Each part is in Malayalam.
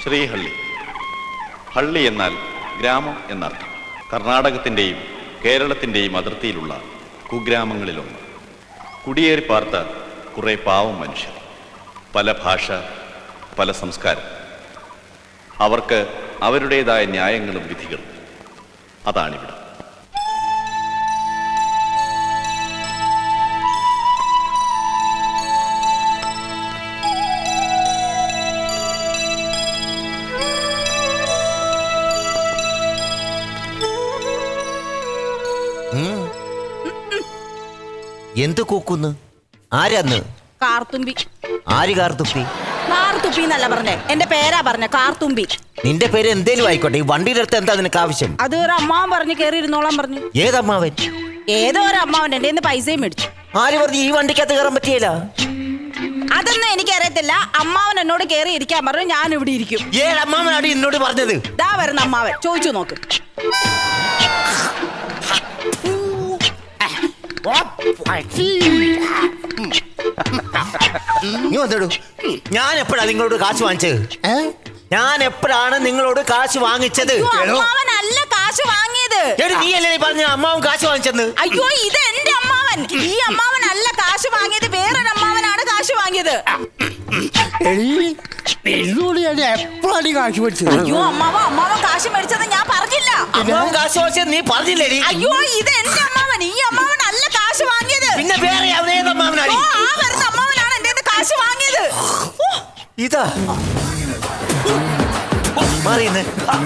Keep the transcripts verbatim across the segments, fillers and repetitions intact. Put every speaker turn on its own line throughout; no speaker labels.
ശ്രീഹള്ളി. ഹള്ളി എന്നാൽ ഗ്രാമം എന്നർത്ഥം. കർണാടകത്തിൻ്റെയും കേരളത്തിൻ്റെയും അതിർത്തിയിലുള്ള കുഗ്രാമങ്ങളിലൊന്ന്. കുടിയേറി പാർത്ത കുറേ പാവം മനുഷ്യർ, പല ഭാഷ, പല സംസ്കാരം. അവർക്ക് അവരുടേതായ ന്യായങ്ങളും വിധികളും. അതാണിവിടെ.
എന്ത് കൂക്കുന്നു? ആരാന്ന്?
കാർത്തുമ്പി.
ആര് കാർത്തുമ്പി?
കാർത്തുമ്പി എന്നല്ല പറഞ്ഞേ, എന്റെ പേരാ പറഞ്ഞ കാർത്തുമ്പി.
നിന്റെ പേര് എന്തേലും ആയിക്കോട്ടെ, ഈ വണ്ടിയുടെ അടുത്ത് എന്താ നിനക്ക് ആവശ്യം?
അത് ഒരു അമ്മാവൻ പറഞ്ഞു കയറി ഇരുന്നോളാൻ പറഞ്ഞു.
ഏതമ്മാവൻ?
ഏതോ ഒരു അമ്മാവൻ എന്റെ കയ്യിന്ന് പൈസയും മേടിച്ചു.
ആര് പറഞ്ഞു ഈ വണ്ടിക്കകത്ത് കയറാൻ പറ്റിയല്ല?
അതൊന്നും എനിക്കറിയത്തില്ല. അമ്മാവൻ എന്നോട് കയറി ഇരിക്കാൻ പറഞ്ഞു, ഞാൻ ഇവിടെ ഇരിക്കും.
ഏതമ്മാവനാണ് എന്നോട് പറഞ്ഞത്?
ദാ വരുന്ന അമ്മാവൻ, ചോദിച്ചു നോക്ക്.
ഞാൻ എപ്പോഴാ നിങ്ങളോട് കാശ് വാങ്ങിച്ചത്? ഞാൻ എപ്പോഴാണ് നിങ്ങളോട് കാശ് വാങ്ങിച്ചത്?
അമ്മാവനല്ല കാശ് വാങ്ങിയത്.
നീ അല്ലേ പറഞ്ഞ അമ്മാവൻ കാശ് വാങ്ങിച്ചെന്ന്?
അയ്യോ, ഇത് എന്റെ അമ്മാവൻ. ഈ അമ്മാവനല്ല കാശ് വാങ്ങിയത്, വേറൊരു അമ്മാവനാണ് കാശ് വാങ്ങിയത്.
എപ്പോഴാണ് കാശ് മേടിച്ചത്?
അയ്യോ അമ്മാവ, അമ്മാവൻ കാശ് മേടിച്ചത് ഞാൻ പറഞ്ഞില്ല.
അമ്മാവൻ കാശ് വാങ്ങിച്ചത് നീ പറഞ്ഞില്ലേ?
അയ്യോ, ഇത് എന്റെ അമ്മാവൻ. ഈ അമ്മാവനല്ല കാശ് വാങ്ങിയത്.
പിന്നെ വേറെ അമ്മാവനാണ്.
ആ വരുന്ന അമ്മാവനാണ് എന്റെ കാശ് വാങ്ങിയത്.
ഇതാ മാറിയെന്ന്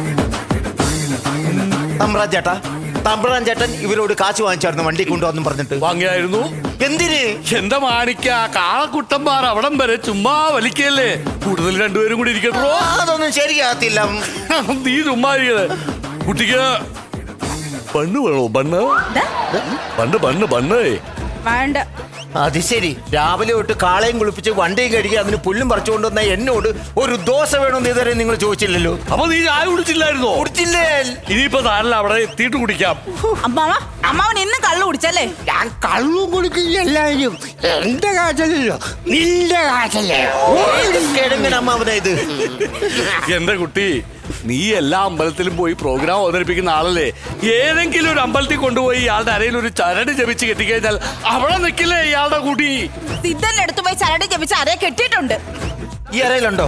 തമ്പ്രാൻ ചേട്ടാ. തമ്പ്രാൻ ചേട്ടൻ ഇവരോട് കാശ് വാങ്ങിച്ചായിരുന്നു വണ്ടി കൊണ്ടുവന്നും പറഞ്ഞിട്ട്.
വാങ്ങിയായിരുന്നു.
എന്തിന്?
എന്താ മാണിക്ക, കാളക്കുട്ടന്മാർ അവിടം വരെ ചുമ്മാ വലിക്കല്ലേ. കൂടുതൽ രണ്ടുപേരും കൂടി ഇരിക്കട്ടോ.
അതൊന്നും ശരിയാകത്തില്ല.
നീ ചുമ്മാ കുട്ടിക്ക് ബണ്ണ് വേണോ? ബണ്ണ് ബണ്ണ് ബണ്ണ് ബണ്ണ്
വേണ്ട.
അത് ശരി. രാവിലെ തൊട്ട് കാളയും കുളിപ്പിച്ച് വണ്ടിയും കഴുകി അതിന് പുല്ലും പറിച്ചുകൊണ്ട് വന്ന എന്നോട് ഒരു ദോശ വേണമെന്ന് ഇതുവരെ നിങ്ങൾ ചോദിച്ചില്ലല്ലോ.
അപ്പൊ നീ ചായ കുടിച്ചില്ലായിരുന്നോ?
കുടിച്ചില്ലേ?
ഇനിയിപ്പോ താരല്ല, അവിടെ എത്തിയിട്ട് കുടിക്കാം.
അമ്മാവ, അമ്മാവൻ ഇന്ന് കള്ളു കുടിച്ചല്ലേ?
ഞാൻ കള്ളും കുടിക്കില്ല. എല്ലാവരും എന്റെ കാശല്ലോ, നിന്റെ കാശല്ലേ.
കിഴങ്ങൻ അമ്മാവനാ ഇത്.
എന്റെ കുട്ടി, നീ എല്ലാ അമ്പലത്തിലും പോയി പ്രോഗ്രാം അവതരിപ്പിക്കുന്ന ആളല്ലേ. ഏതെങ്കിലും ഒരു അമ്പലത്തിൽ കൊണ്ടുപോയി ഇയാളുടെ അരയിൽ ഒരു ചരട് ജപിച്ച് കെട്ടിക്കഴിഞ്ഞാൽ അവിടെ നിൽക്കില്ലേ ഇയാളുടെ കുട്ടി?
സിദ്ധന്റെ അടുത്ത് പോയി ചരട് ജപിച്ച് അരയെ കെട്ടിയിട്ടുണ്ട്.
ഈ അരയിലുണ്ടോ?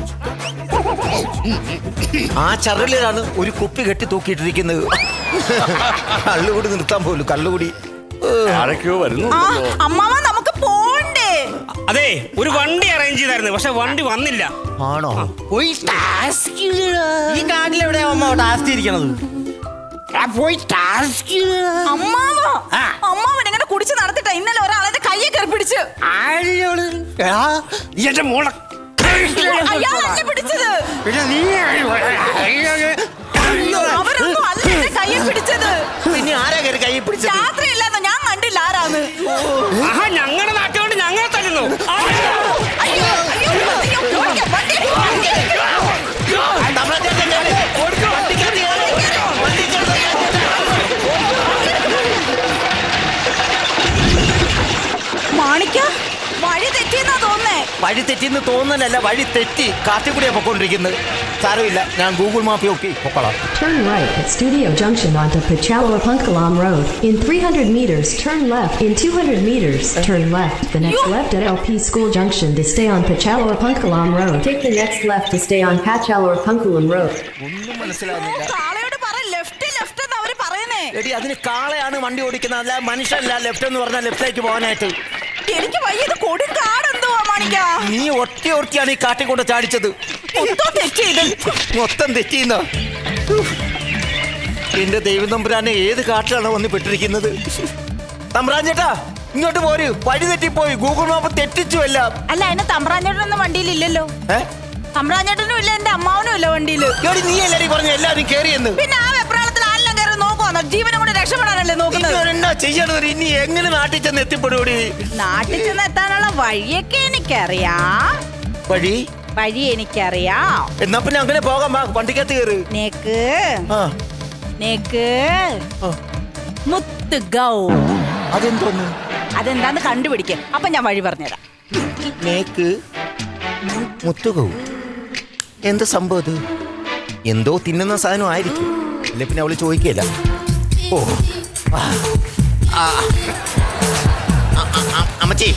ആ ചരലിലാണ് ഒരു കുപ്പി കെട്ടി തൂക്കിയിട്ടിരിക്കുന്നത്. കള്ളുകൂടി നിർത്താൻ പോലും. കള്ളുകൂടി
ആരൊക്കെയോ വരുന്നു.
അമ്മാവ, നമുക്ക് പോണ്ടേ?
അതെ, ഒരു വണ്ടി അറേഞ്ച് ചെയ്തായിരുന്നു, പക്ഷെ വണ്ടി വന്നില്ല.
ആണോ?
പോയി
ഈ കാട്ടിലെവിടെയാ അമ്മ ടാസ്ക് ഇരിക്കണത്?
പോയി ടാസ്ക്.
അമ്മാവ, അമ്മാവൻ എങ്ങനെ കുടിച്ച് നടത്തിട്ടാ ഇന്നലെ ഒരാളെ കയ്യെ കയറി പിടിച്ച്.
എന്റെ മോളെ
അയാളല്ലേ പിടിച്ചത്?
പിന്നെ നീ
അവരൊന്നും അല്ല എന്റെ കയ്യെ പിടിച്ചത്.
പിന്നെ ആരാ കയറി കൈ പിടിച്ചത്?
രാത്രിയല്ലാന്നോ, ഞാൻ കണ്ടില്ല ആരാന്ന്.
ആഹാ, ഞങ്ങളുടെ നാട്ടുകൊണ്ട് ഞങ്ങളെ തല്ലുന്നു.
അയ്യോ, അയ്യോ, അയ്യോ, ഓടിക്കാം, വണ്ടി, വണ്ടി. മാണിക്ക, വഴി തെറ്റിയെന്നാ തോന്നേ.
വഴി തെറ്റിന്ന് തോന്നലല്ല, വഴി തെറ്റി കാട്ടിൽ കൂടിയാ പൊക്കോണ്ടിരിക്കുന്നത്. സാരമില്ല, ഞാൻ ഗൂഗിൾ മാപ്പ് നോക്കി പൊക്കോളാം.
Turn right at Studio Junction onto Pachalawapunkalam Road. In three hundred meters, turn left. In two hundred meters, turn left. The next left at L P School Junction to stay on Pachalawapunkalam Road. Take the next left to stay on Pachalawapunkalam Road.
ഒന്നും മനസ്സിലാകുന്നില്ല.
കാളയോട് പറ, ലെഫ്റ്റ് ലെഫ്റ്റ് എന്ന് അവര് പറയുന്നേ.
എടി, അതിന് കാളയാണ് വണ്ടി ഓടിക്കുന്നത്, അല്ല മനുഷ്യല്ല. ലെഫ്റ്റ് എന്ന് പറഞ്ഞാൽ ലെഫ്റ്റിലേക്ക് പോകാനായിട്ട്.
എനിക്ക് വയ്യത് കൊടുങ്കാടെന്തുവാ മാണിക്ക.
നീ ഒറ്റ ഒറ്റയാണ് ഈ കാട്ടിൽ കൊണ്ട് ചാടിച്ചത്.
മൊത്തം തെറ്റിയത്.
മൊത്തം തെറ്റിയുന്ന എന്റെ ദൈവം തമ്പുരാനെ, ഏത് കാട്ടിലാണ് വന്ന് പെട്ടിരിക്കുന്നത്? തമ്പ്രാൻ ചേട്ടാ, ഇങ്ങോട്ട് പോര്. വഴി തെറ്റിപ്പോയി. ഗൂഗിൾ മാപ്പ് തെറ്റിച്ചു എല്ലാം.
അല്ല, അതിന് തമ്പ്രാഞ്ഞേട്ടനൊന്നും വണ്ടിയിലില്ലല്ലോ. തമ്പ്രാഞ്ഞേട്ടനും ഇല്ല, എന്റെ അമ്മാവനും ഇല്ല വണ്ടിയില്.
നീ എല്ലാരും പറഞ്ഞു എല്ലാരും കേറിയെന്ന്.
പിന്നെ ആ വെപ്രാളത്തിൽ ആരെല്ലാം കയറി നോക്കുവാന്നോ? ജീവനും കൂടെ രക്ഷപ്പെടാനല്ലേ നോക്കുന്നത്?
എന്നാ ചെയ്യണത്? ഇനി എങ്ങനെ നാട്ടിൽ ചെന്ന് എത്തിപ്പെടൂടി?
നാട്ടിൽ ചെന്ന് എത്താനുള്ള വഴിയൊക്കെ എനിക്കറിയാം.
വഴി
വഴി എനിക്കറിയാം.
എന്നാ പിന്നെ അങ്ങനെ പോകാം. വണ്ടിക്കകത്ത് കയറ്.
നേക്ക് നേക്ക് മുത്ത് ഗൗ.
അതെന്തോന്ന്?
അതെന്താന്ന് കണ്ടുപിടിക്കാം. അപ്പൊ ഞാൻ വഴി പറഞ്ഞുതരാം.
നേക്ക് മുത്തുകൗ. എന്ത് സംഭവം ഇത്? എന്തോ തിന്നുന്ന സാധനം ആയിരിക്കും. ഇല്ല പിന്നെ അവള് ചോദിക്കല്ല. ഓ ആ. ആ. ആ, ആ, ആ, അമ്മച്ചി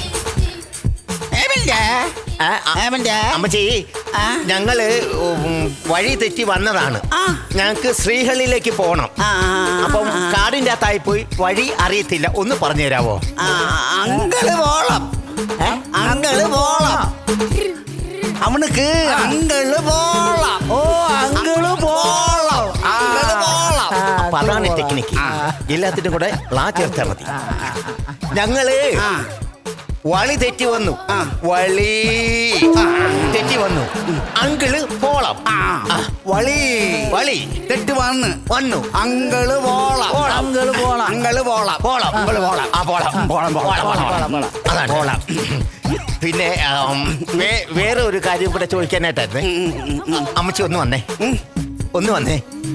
ആ, ആ, അമ്മച്ചി ഞങ്ങള് ഉം, വഴി തെറ്റി വന്നതാണ്. ഞങ്ങക്ക് ശ്രീഹള്ളിയിലേക്ക് പോണം. അപ്പം കാടിന്റെ അകത്തായി പോയി വഴി അറിയത്തില്ല. ഒന്ന് പറഞ്ഞു തരാവോ?
അങ്കള് പോളം അങ്കള് പോളം അവനുക്ക് അങ്കള് പോളം. ഓ അങ്കള് പോളം അങ്കള് പോളം.
അപ്പൊ അതാണ് ടെക്നിക്ക്. എല്ലാത്തിനും കൂടെ ളാ ചേർത്താൽ മതി. ഞങ്ങള് വളി തെറ്റി വന്നു. വളി തെറ്റി വന്നു. അങ്കിള് പോളം. വളി വളി
തെറ്റ് വന്ന്
വന്നു.
അങ്കള് പോളം അങ്കള് പോളം അങ്കള് പോളം
പോളം അങ്കിള് പോളം. ആ പോളം പോളം പോളം പോളം അതാണ് പോളം. പിന്നെ ആം, വേ- വേറെ ഒരു കാര്യം കൂടെ ചോദിക്കാനായിട്ടായിരുന്നേ. അമ്മച്ചി ഒന്ന് വന്നേ, ഒന്ന് വന്നേ.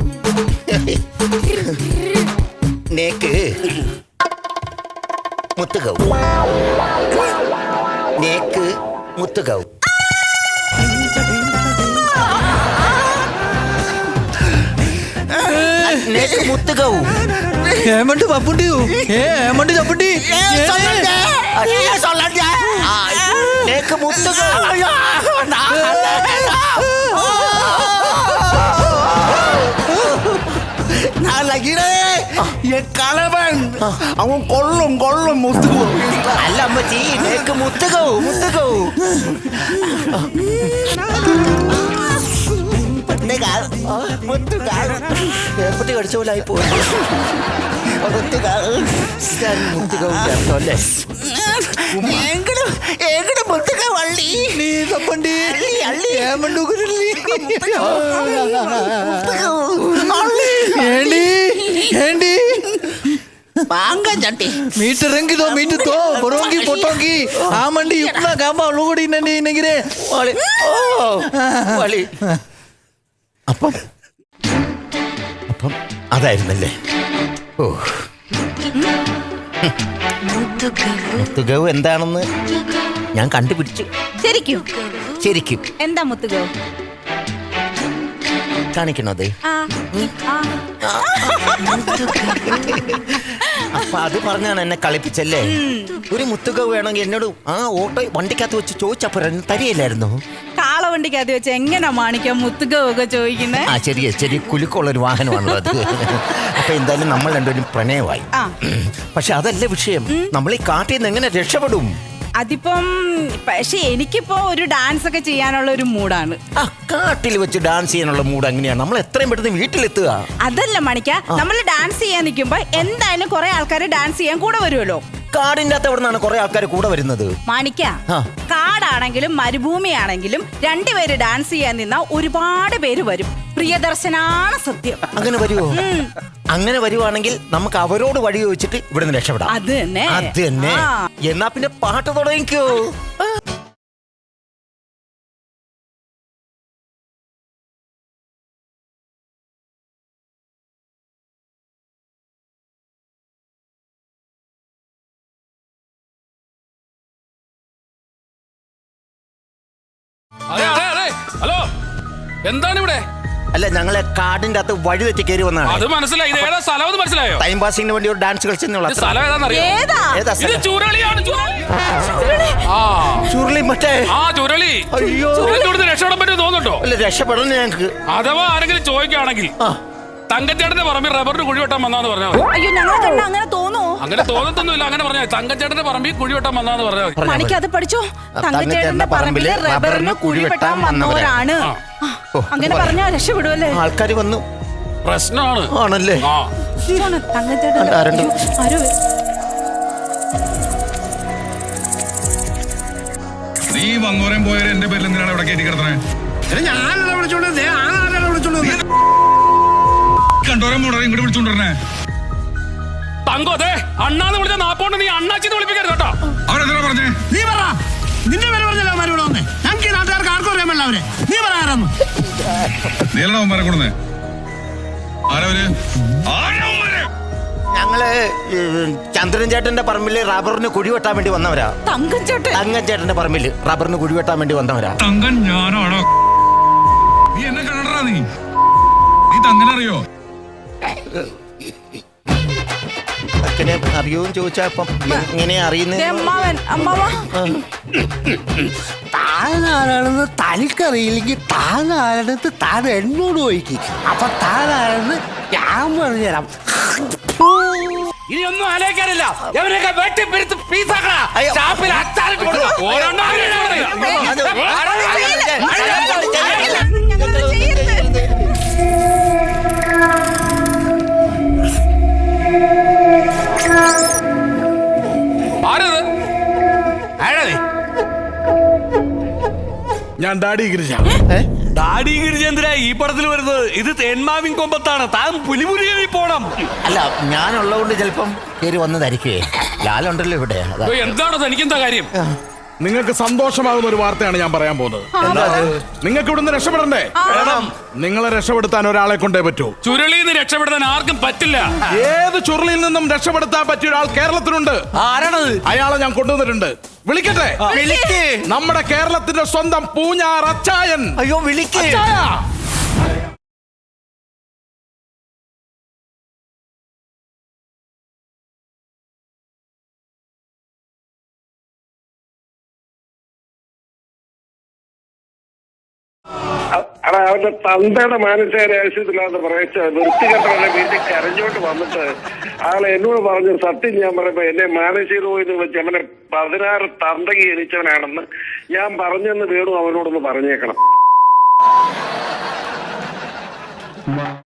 നേക്ക് മുത്തുകൗ നേക്ക് മുത്തുകൗ നേക്ക് മുത്തുകൗ
ഏമണ്ട് പപ്പുണ്ടി ഏ ഏമണ്ട് ചപ്പുണ്ടി
നേക്ക് മുത്തുകൗ.
കളവൻ അവൻ കൊള്ളും കൊള്ളും മുത്തു.
അല്ല അമ്മച്ചി, നേക്ക് മുത്തുകൗ മുത്തുകൗ. എപ്പറ്റി കടിച്ച പോലെ ആയി പോയി.
നീ തപ്പണ്ടി ഏമണ്ട് ఏంటి ఏంటి మీటర్ రంగిదో మీటర్తో బొరోంగి పొట్టోంగి ఆమండి ఇప్పుడ గాంబ అలుగుడినండి నెగిరే
അപ്പം അപ്പം അതായിരുന്നല്ലേ? ഓ മുത്തുകൗ എന്താണെന്ന് ഞാൻ കണ്ടുപിടിച്ചു.
ശരിക്കും
ശരിക്കും
എന്താ മുത്തുകോ?
കാണിക്കണത്.
ആ ആ
അപ്പൊ അത് പറഞ്ഞാണ് എന്നെ കളിപ്പിച്ചല്ലേ? ഒരു മുത്തുകൗ വേണമെങ്കിൽ എന്നോട് ആ ഓട്ടോ വണ്ടിക്കകത്ത് വെച്ച് ചോദിച്ചപ്പോ തരികയില്ലായിരുന്നു.
കാളവണ്ടിക്കകത്ത് വെച്ച് എങ്ങനെ മാണിക്കാം മുത്തുകോ ഒക്കെ ചോദിക്കുന്നേ?
ആ ചെറിയ ചെറിയ കുലുക്കമുള്ളൊരു വാഹനമാണല്ലോ അത്. അപ്പൊ എന്തായാലും നമ്മൾ രണ്ടുപേരും പ്രണയമായി.
ആ.
പക്ഷെ അതല്ല വിഷയം. നമ്മൾ ഈ കാട്ടിൽ നിന്ന് എങ്ങനെ രക്ഷപ്പെടും?
അതിപ്പം പക്ഷെ എനിക്കിപ്പോ ഒരു ഡാൻസ് ഒക്കെ ചെയ്യാനുള്ള ഒരു മൂഡാണ്.
ആ കാട്ടിൽ വെച്ച് ഡാൻസ് ചെയ്യാനുള്ള മൂഡ് എങ്ങനെയാണ്? നമ്മൾ എത്രയും പെട്ടെന്ന് വീട്ടിലെത്തുക.
അതല്ല മണിക്ക, നമ്മൾ ഡാൻസ് ചെയ്യാൻ നിൽക്കുമ്പോ എന്തായാലും കുറെ ആൾക്കാർ ഡാൻസ് ചെയ്യാൻ കൂടെ വരുമല്ലോ.
കാടിന്റെ അകത്ത് എവിടെ നിന്നാണ് കുറെ ആൾക്കാർ കൂടെ വരുന്നത്?
മാണിക്ക,
ആ.
കാടാണെങ്കിലും മരുഭൂമിയാണെങ്കിലും രണ്ടുപേര് ഡാൻസ് ചെയ്യാൻ നിന്നാ ഒരുപാട് പേര് വരും. പ്രിയദർശനാണ് സത്യം.
അങ്ങനെ വരുമോ? അങ്ങനെ വരുവാണെങ്കിൽ നമുക്ക് അവരോട് വഴി ചോദിച്ചിട്ട് ഇവിടുന്ന് രക്ഷപ്പെടാം.
അത് തന്നെ
അത് തന്നെ.
ആ.
എന്നാ പിന്നെ പാട്ട് തുടങ്ങിക്കോ.
അതെ അതെ അതെ ഹലോ, എന്താണ് ഇവിടെ?
അല്ല, ഞങ്ങളെ കാടിന്റെ അകത്ത് വഴി തെറ്റി കയറി വന്നതാണ്.
അത് മനസ്സിലായി. ഇത് ഏതാ സ്ഥലം എന്ന് മനസ്സിലായോ?
ടൈം പാസിംഗിന് വേണ്ടി ഒരു ഡാൻസ് കളിച്ചെന്നുള്ള
ഇത് സ്ഥലം ഏതാണെന്നറിയോ?
ഏതാ?
ഏതാ
ഇത്
സ്ഥലം?
ചുരുളിയാണ്. ചുരുളി. ആ
ചുരുളി മറ്റേ.
ആ ചുരുളി.
അയ്യോ.
ഇവിടുന്ന് രക്ഷപ്പെടാൻ പറ്റുമോ തോന്നുന്നുണ്ടോ?
അല്ല, രക്ഷപ്പെടണം ഞങ്ങക്ക്.
അഥവാ ആരെങ്കിലും ചോദിക്കുകയാണെങ്കിൽ
ആ.
തങ്കച്ചേട്ടന്റെ പറമ്പിൽ റബ്ബറിന് കുഴി വെട്ടാൻ വന്നാന്ന് പറഞ്ഞാൽ മതി.
അയ്യോ, ഞങ്ങളെ കണ്ട അങ്ങനെ തോന്നുവോ?
അങ്ങനെ തോന്നത്തൊന്നുമില്ല. അങ്ങനെ പറഞ്ഞാൽ തങ്കച്ചേട്ടന്റെ പറമ്പിൽ കുഴി വെട്ടാൻ വന്നാന്ന് പറഞ്ഞാൽ മതി.
മണിക്ക് അത് പഠിച്ചോ. തങ്കച്ചേട്ടന്റെ പറമ്പില് റബ്ബറിന് കുഴി വെട്ടാൻ വന്നവരാണ്. ആ, അങ്ങനെ പറഞ്ഞാ രക്ഷപ്പെടുവല്ലേ?
ആൾക്കാർ വന്നു.
പ്രശ്നമാണ്.
ആണല്ലേ?
ആ
തങ്കച്ചേട്ടൻ
അല്ല, ആരുണ്ട്?
ആരോ
നീ വന്നോരം പോയാലും എന്റെ പേരിൽ എന്തിനാണ് ഇവിടെ കയറ്റി കിടത്തണേ?
ഞാനല്ല വിളിച്ചോണ്ടത് ആരാണ് വിളിച്ചോണ്ടത്?
കണ്ടോരം പോണോ ഇങ്ങോട്ട് വിളിച്ചോണ്ടിരുന്നേ?
തങ്കോ, അതെ അണ്ണാന്ന് വിളിച്ച നാപ്പോണ്ട് നീ അണ്ണാച്ചിന്ന് വിളിപ്പിക്കരുത് കേട്ടോ.
അവരെന്തിനാ പറഞ്ഞേ?
നീ പറ. നിന്റെ പേര് പറഞ്ഞല്ലോ അവന്മാർ ഇവിടെ വന്നേ. ഞങ്ങൾക്ക് ഈ നാട്ടുകാർക്ക് ആർക്കും അറിയാമല്ല അവരെ. നീ പറ ആരാന്ന്.
നീലണ അവന്മാരെ കൊടുന്നേ? ആരവര്? ആരവന്മാര്?
ഞങ്ങള് ഈ ചന്ദ്രൻ ചേട്ടന്റെ പറമ്പില് റബ്ബറിന് കുഴി വെട്ടാൻ വേണ്ടി വന്നവരാ.
തങ്കച്ചേട്ടൻ
തങ്കൻ ചേട്ടന്റെ പറമ്പില് റബ്ബറിന് കുഴി വെട്ടാൻ വേണ്ടി വന്നവരാ.
തങ്കൻ ഞാനാണോ? നീ നീ തങ്ങനെ അറിയോ?
അച്ഛനെ അറിയോന്ന് ചോദിച്ചാ ഇപ്പം എങ്ങനെ അറിയുന്നത്?
ദേ അമ്മാവൻ അമ്മാവ
താനാരാണെന്ന് തനിക്കറിയില്ലെങ്കിൽ താനാരാണെന്ന് താൻ എന്നോട് ചോദിക്കും. അപ്പൊ താനാരെന്ന് ഞാൻ പറഞ്ഞുതരാം.
ഇനി ഒന്നും ആലോചിക്കാനില്ല. എവരെയൊക്കെ വെട്ടി പിരിത്ത് പീസാക്കണ. ഷാപ്പിൽ അച്ചാറിട്ട് കൊടുക്കുക. ഓരോന്നും
ഞാൻ ഡാഡി ഗിരിജ.
ഡാഡി ഗിരിജേന്ദ്ര ഈ പടത്തിൽ വരുന്നത്. ഇത് തേന്മാവിൻ കൊമ്പത്താണ്. താൻ പുലിമുരുകി പോണം.
അല്ല ഞാനുള്ളതുകൊണ്ട് ചിലപ്പം കയറി വന്നതായിരിക്കുവേ. ലാലുണ്ടല്ലോ ഇവിടെ. അതാ.
എന്താണോ തനിക്കെന്താ കാര്യം?
നിങ്ങൾക്ക് സന്തോഷമാകുന്ന ഒരു വാർത്തയാണ് ഞാൻ പറയാൻ പോകുന്നത്. നിങ്ങൾക്ക് ഇവിടുന്ന് രക്ഷപ്പെടണ്ടേ? നിങ്ങളെ രക്ഷപ്പെടുത്താൻ ഒരാളെ കൊണ്ടേ പറ്റൂ.
ചുരുളിയിൽ നിന്ന് രക്ഷപ്പെടുത്താൻ ആർക്കും പറ്റില്ല.
ഏത് ചുരുളിൽ നിന്നും രക്ഷപ്പെടുത്താൻ പറ്റിയ ഒരാൾ കേരളത്തിലുണ്ട്.
ആരാണത്?
അയാളെ ഞാൻ കൊണ്ടുവന്നിട്ടുണ്ട്. വിളിക്കട്ടെ? നമ്മുടെ കേരളത്തിന്റെ സ്വന്തം പൂഞ്ഞാർ അച്ചായൻ.
അയ്യോ വിളിക്കേ.
അടാ അവന്റെ തന്തയുടെ മാനസികാരാവശ്യത്തിലാന്ന് പറയിച്ച വൃത്തികെട്ടവനെ വീട്ടിൽ കരഞ്ഞോട്ട് വന്നിട്ട് ആളെ എന്നോട് പറഞ്ഞു സത്യം ഞാൻ പറയുമ്പോ എന്നെ മാനസിക രോഗം വെച്ച് അവനെ പതിനാറ് തന്തകി ജനിച്ചവനാണെന്ന് ഞാൻ പറഞ്ഞെന്ന് വേണു അവനോടൊന്ന് പറഞ്ഞേക്കണം.